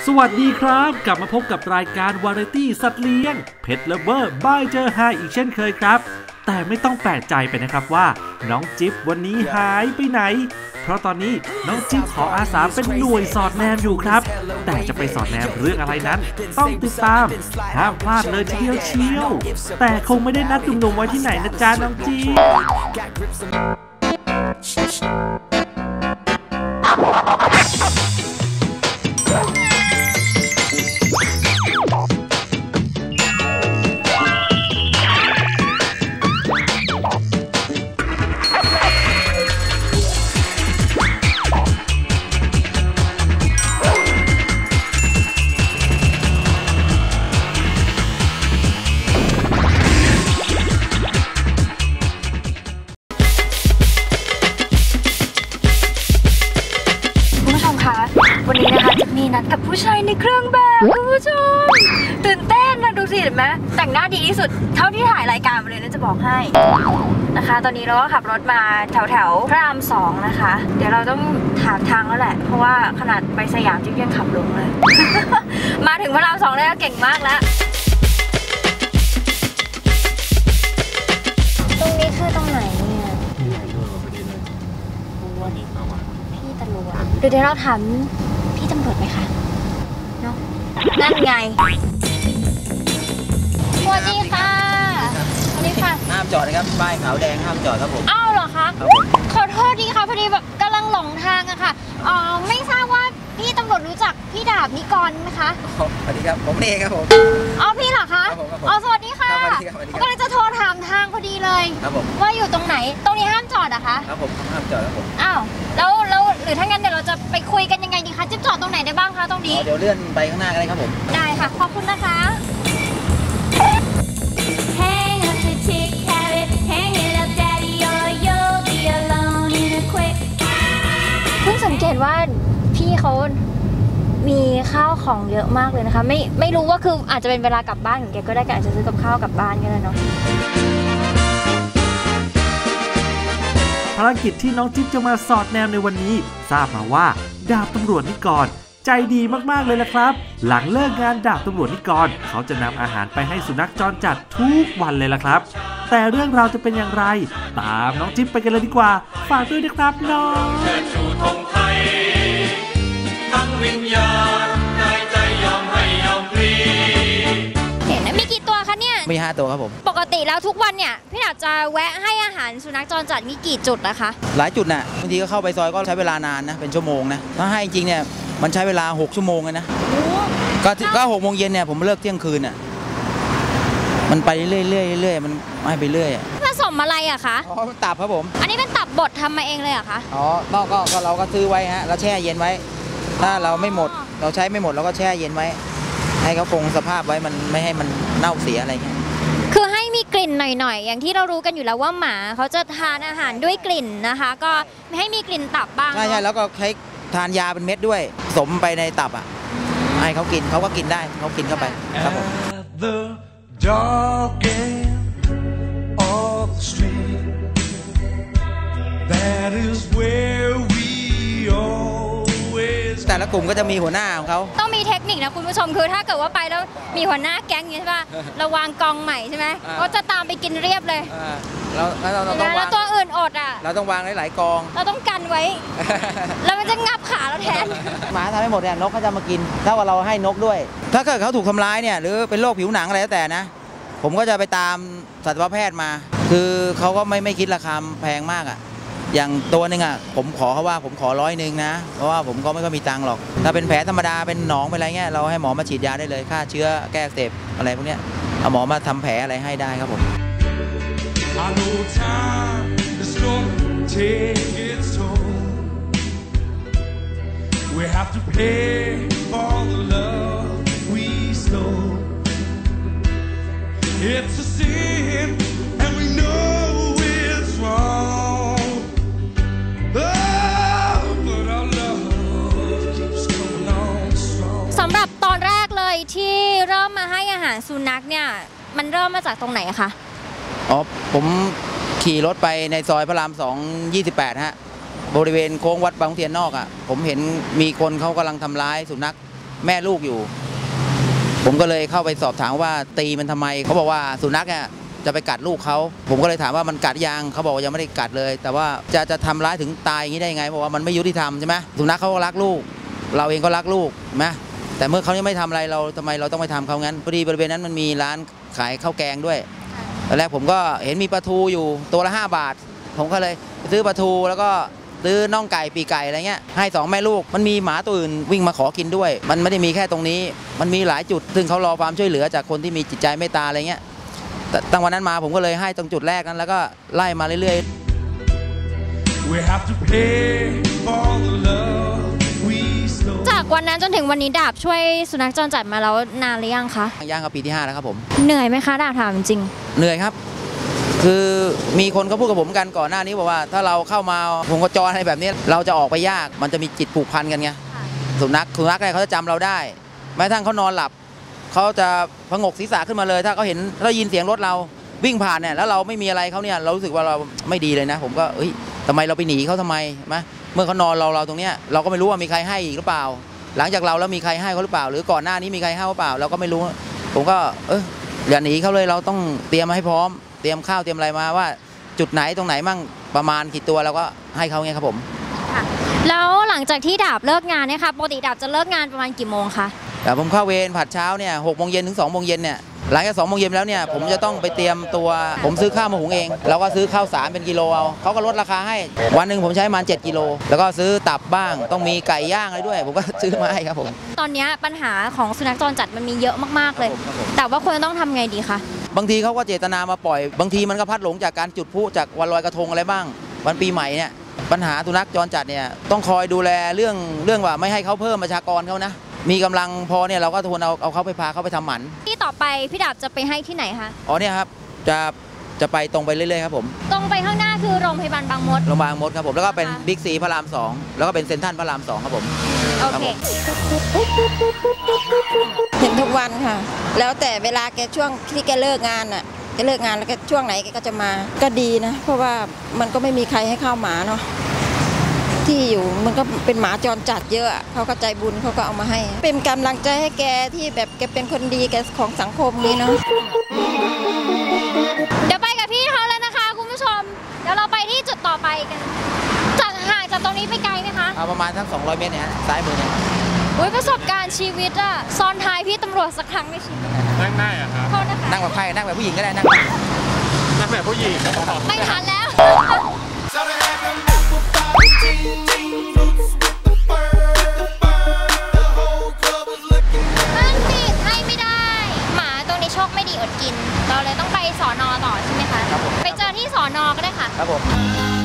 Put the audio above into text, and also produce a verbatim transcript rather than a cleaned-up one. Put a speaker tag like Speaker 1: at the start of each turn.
Speaker 1: สวัสดีครับกลับมาพบกับรายการวาไรตี้สัตว์เลี้ยงเพทเลเวอร์บายเจอไฮอีกเช่นเคยครับแต่ไม่ต้องแปลกใจไปนะครับว่าน้องจิ๊บวันนี้หายไปไหนเพราะตอนนี้น้องจิ๊บขออาสาเป็นหน่วยสอดแนมอยู่ครับแต่จะไปสอดแนมเรื่องอะไรนั้นต้องติดตามห้ามพลาดเลยทีเดียวเชียวแต่คงไม่ได้นัดหนุ่มๆไว้ที่ไหนนะจ๊ะน้องจิ๊บ
Speaker 2: วันนี้นะคะจะมีนัดกับผู้ชายในเครื่องแบบคุณผู้ชมตื่นเต้นนะดูสิเห็นไหมแต่งหน้าดีที่สุดเท่าที่ถ่ายรายการมาเลยนะจะบอกให้นะคะตอนนี้เราก็ขับรถมาแถวแถวพระรามสองนะคะเดี๋ยวเราต้องถามทางแล้วแหละเพราะว่าขนาดไปสยามจิ๊บยังขับลงเลย มาถึงพระรามสองได้ก็เก่งมากแล้วตรงนี้คือตรงไหนเนี่ยพี่ตำรวจพี่ตำรวจเดี๋ยวเราถามพี่ตำรวจไหมคะเนาะนั่นไงสวัสดีค่ะสวัสดีค่ะ
Speaker 3: ห้ามจอดนะครับป้ายขาวแดงห้ามจอดครับผม
Speaker 2: อ้าวเหรอคะขอโทษดีค่ะพอดีแบบกำลังหลงทางอะค่ะอ๋อไม่ทราบว่าพี่ตำรวจรู้จักพี่ดาบนิกรไหมคะ
Speaker 3: สวัสดีครับผมเองครับผม
Speaker 2: อ๋อพี่เหรอคะอ๋อสวัสดีค่ะก็เลยจะโทรถามทางพอดีเลย
Speaker 3: ครับผม
Speaker 2: ว่าอยู่ตรงไหนตรงนี้ห้ามจอดอะคะ
Speaker 3: ครับผมห้ามจอดครับผม
Speaker 2: อ้าวแล้วแล้วหรือถ้างั้นเดี๋ยวเราจะไปคุยกันยังไงดีคะจิ๊บจอดตรงไหนได้บ้างคะตรงนี้
Speaker 3: เดี๋ยวเลื่อนไปข้างหน้ากันเลยครับผม
Speaker 2: ได้ค่ะขอบคุณนะคะเพิ่งสังเกตว่าพี่เขามีข้าวของเยอะมากเลยนะคะไม่ไม่รู้ว่าคืออาจจะเป็นเวลากลับบ้านของแกก็ได้แกอาจจะซื้อกับข้าวกลับบ้านก็ได้เนาะ
Speaker 1: ภารกิจที่น้องจิ๊บจะมาสอดแนมในวันนี้ทราบมาว่าดาบตำรวจนิกรใจดีมากๆเลยละครับหลังเลิกงานดาบตำรวจนิกรเขาจะนำอาหารไปให้สุนัขจรจัดทุกวันเลยละครับแต่เรื่องราวจะเป็นอย่างไรตามน้องจิ๊บไปกันเลยดีกว่าฝากด้วยนะครับน้องเชิดชูธงไทยทั้งวิญญาณ
Speaker 2: กายใจยอมให้ยอมพลีเห็นนะมีกี่ตัวคะเนี่ย
Speaker 3: มีห้าตัวครับผม
Speaker 2: ปกติแล้วทุกวันเนี่ยพี่ดาบจะแวะให้อาหารสุนัขจรจัดมีกี่จุดนะคะ
Speaker 3: หลายจุดน่ะบางทีก็เข้าไปซอยก็ใช้เวลานานนะเป็นชั่วโมงนะถ้าให้จริงเนี่ยมันใช้เวลาหกชั่วโมงเลยนะก็ก็หกโมงเย็นเนี่ยผมเลิกเที่ยงคืนอ่ะมันไปเรื่อยๆเรื่อยๆมันให้ไปเรื่อย
Speaker 2: ผสมอะไรอะคะ
Speaker 3: อ๋อตับครับผม
Speaker 2: อันนี้เป็นตับบดทำมาเองเลยอะคะ
Speaker 3: อ๋อก็ก็เราก็ซื้อไว้ฮะเราแช่เย็นไว้ถ้าเราไม่หมดเราใช้ไม่หมดเราก็แช่เย็นไว้ให้เขาคงสภาพไว้มันไม่ให้มันเน่าเสียอะไรเงี้ย
Speaker 2: คือให้มีกลิ่นหน่อยๆอย่างที่เรารู้กันอยู่แล้วว่าหมาเขาจะทานอาหารด้วยกลิ่นนะคะก็ให้มีกลิ่นตับบ้าง
Speaker 3: ใช่ใช่แล้วก็ใช้ทานยาเป็นเม็ดด้วยสมไปในตับอ่ะให้เขากินเขาก็กินได้เขากินเข้าไปครับผมแต่ละกลุ่มก็จะมีหัวหน้าของเขา
Speaker 2: ต้องมีเทคนิคนะคุณผู้ชมคือถ้าเกิดว่าไปแล้วมีหัวหน้าแก๊งอย่างนี้ใช่ป่ะเราวางกองใหม่ใช่ไหมก็จะตามไปกินเรียบเลย
Speaker 3: เราเราต้อง
Speaker 2: วางแล้วตัวอื่นอดอ่ะ
Speaker 3: เราต้องวางหลายๆกอง
Speaker 2: เราต้องกันไว้แล้วมันจะงับขาเราแทน
Speaker 3: หมาทำให้หมดเนี่ยนกเขาจะมากินถ้าว่าเราให้นกด้วยถ้าเกิดเขาถูกทำร้ายเนี่ยหรือเป็นโรคผิวหนังอะไรแล้วแต่นะผมก็จะไปตามสัตวแพทย์มาคือเขาก็ไม่ไม่คิดราคาแพงมากอ่ะอย่างตัวหนึ่งอ่ะผมขอเขาว่าผมขอร้อยหนึ่งนะเพราะว่าผมก็ไม่ค่อยมีตังค์หรอกถ้าเป็นแผลธรรมดาเป็นหนองเป็นอะไรเงี้ยเราให้หมอมาฉีดยาได้เลยฆ่าเชื้อแก้อักเสบอะไรพวกเนี้ยเอาหมอมาทำแผลอะไรให้ได้ครับผมWe have to pay for the love we stole. It's a sin, and we know it's wrong. Oh, but our love keeps coming on strong. สำหรับตอนแรกเลยที่เริ่มมาให้อาหารสุนัขเนี่ยมันเริ่มมาจากตรงไหนคะอ๋อผมขี่รถไปในซอยพระรามสองยี่สิบแปดฮะบริเวณโค้งวัดบางเทียนนอกอ่ะผมเห็นมีคนเขากำลังทำร้ายสุนัขแม่ลูกอยู่ ผมก็เลยเข้าไปสอบถามว่าตีมันทำไมเขาบอกว่าสุนัขเนี่ยจะไปกัดลูกเขาผมก็เลยถามว่ามันกัดยังเขาบอกว่ายังไม่ได้กัดเลย แต่ว่าจะจะทำร้ายถึงตายอย่างนี้ได้ยังไงบอกว่ามันไม่ยุติธรรมใช่ไหมสุนัขเขาก็รักลูกเราเองก็รักลูกไหมแต่เมื่อเขายังไม่ทำอะไรเราทำไมเราต้องไปทำเขางั้นพอดีบริเวณนั้นมันมีร้านขายข้าวแกงด้วยตอนแรกผมก็เห็นมีปลาทูอยู่ตัวละห้าบาทผมก็เลยซื้อปลาทูแล้วก็ซื้อน่องไก่ปีไก่อะไรเงี้ยให้สองแม่ลูกมันมีหมาตัวอื่นวิ่งมาขอกินด้วยมันไม่ได้มีแค่ตรงนี้มันมีหลายจุดซึ่งเขารอความช่วยเหลือจากคนที่มีจิตใจเมตตาอะไรเงี้ยตั้งวันนั้นมาผมก็เลยให้ตรงจุดแรกนั้นแล้วก็ไล่มาเรื่อย
Speaker 2: ๆจากวันนั้นจนถึงวันนี้ดาบช่วยสุนัขจรจัดมาแล้วนานหรือยังคะ
Speaker 3: ย่างกับปีที่ห้าแล้วครับผม
Speaker 2: เหนื่อยไหมคะดาบถามจริง
Speaker 3: เหนื่อยครับคือมีคนเขาพูดกับผมกันก่อนหน้านี้บอกว่าถ้าเราเข้ามาพงกจรอะไรแบบนี้เราจะออกไปยากมันจะมีจิตผูกพันกันไงสุนัขสุนัขเนี่ยเขาจะจำเราได้แม้กระทั่งเขานอนหลับเขาจะพงกศีรษะขึ้นมาเลยถ้าเขาเห็นถ้ายินเสียงรถเราวิ่งผ่านเนี่ยแล้วเราไม่มีอะไรเขาเนี่ยเรารู้สึกว่าเราไม่ดีเลยนะผมก็เฮ้ยทำไมเราไปหนีเขาทำไมไหมเมื่อเขานอนเราเราตรงเนี้ยเราก็ไม่รู้ว่ามีใครให้อีกหรือเปล่าหลังจากเราแล้วมีใครให้เขาหรือเปล่าหรือก่อนหน้านี้มีใครให้หรือเปล่าเราก็ไม่รู้ผมก็เอออย่าหนีเขาเลยเราต้องเตรียมมาให้พร้อมเตรียมข้าวเตรียมอะไรมาว่าจุดไหนตรงไหนมั่งประมาณกี่ตัวเราก็ให้เขาไงครับผม
Speaker 2: แล้วหลังจากที่ดาบเลิกงานเนี่ยค่ะปกติดาบจะเลิกงานประมาณกี่โมงคะ
Speaker 3: แต่ผมเข้าเวรผัดเช้าเนี่ยหกโมงเย็นถึงสองโมงเย็นเนี่ยหลังจากสองโมงเย็นแล้วเนี่ยผมจะต้องไปเตรียมตัวผมซื้อข้าวมาหุงเองแล้วก็ซื้อข้าวสารเป็นกิโลเอาเขาก็ลดราคาให้วันหนึ่งผมใช้ประมาณเจ็ดกิโลแล้วก็ซื้อตับบ้างต้องมีไก่ย่างอะไรด้วยผมก็ซื้อมาให้ครับผม
Speaker 2: ตอนนี้ปัญหาของสุนัขจรจัดมันมีเยอะมากๆเลยแต่ว่าควรต้องทำไงดีคะ
Speaker 3: บางทีเขาก็เจตนามาปล่อยบางทีมันก็พัดหลงจากการจุดพลุจากวันลอยกระทงอะไรบ้างวันปีใหม่เนี่ยปัญหาสุนัขจรจัดเนี่ยต้องคอยดูแลเรื่องเรื่องว่าไม่ให้เขาเพิ่มประชากรเขานะมีกำลังพอเนี่ยเราก็ทวนเอาเอาเขาไปพาเขาไปทำหมัน
Speaker 2: ที่ต่อไปพี่ดาบจะไปให้ที่ไหนคะ
Speaker 3: อ๋อเนี่ยครับจะจะไปตรงไปเรื่อยๆครับผม
Speaker 2: ตรงไปข้างหน้าคือโรงพยาบาลบางมด
Speaker 3: โรงพยาบาลบางมดครับผมแล้วก็เป็นบิ๊กซีพระรามสองแล้วก็เป็นเซ็นทรัลพระรามสองครับผม
Speaker 2: โอเค
Speaker 4: เห็นทุกวันค่ะแล้วแต่เวลาแกช่วงที่แกเลิกงานอ่ะแกเลิกงานแล้วแกช่วงไหนแกก็จะมาก็ดีนะเพราะว่ามันก็ไม่มีใครให้ข้าวหมาเนาะที่อยู่มันก็เป็นหมาจรจัดเยอะเขาก็ใจบุญเขาก็เอามาให้เป็นกำลังใจให้แกที่แบบแกเป็นคนดีแกของสังคมนี้เนาะ
Speaker 2: เดี๋ยวไปกับพี่เขาแล้วนะคะคุณผู้ชมเดี๋ยวเราไปที่จุดต่อไปกันจากห่างจากตรงนี้ไปไกลไหมคะ
Speaker 3: เอาประมาณสักสองร้อยเมตรเนี่ยซ้ายมือเนี่ย
Speaker 2: โอ้ยประสบการณ์ชีวิตอะซ้อนท้ายพี่ตำรวจสักครั้งในชีวิต
Speaker 5: นั่งได้อะครับ
Speaker 3: นั่งแบบใครนั่งแบบผู้หญิงก็ได้นั่ง
Speaker 5: นั่งแบบผู้หญิง
Speaker 2: ไม่ทันแล้วมันปิดให้ไม่ได้หมาตรงนี้โชคไม่ดีอดกินเราเลยต้องไปสอนอต่อใช่ไหมคะไปเจอที่สอนอก็ได้ค่ะ
Speaker 3: ครับผม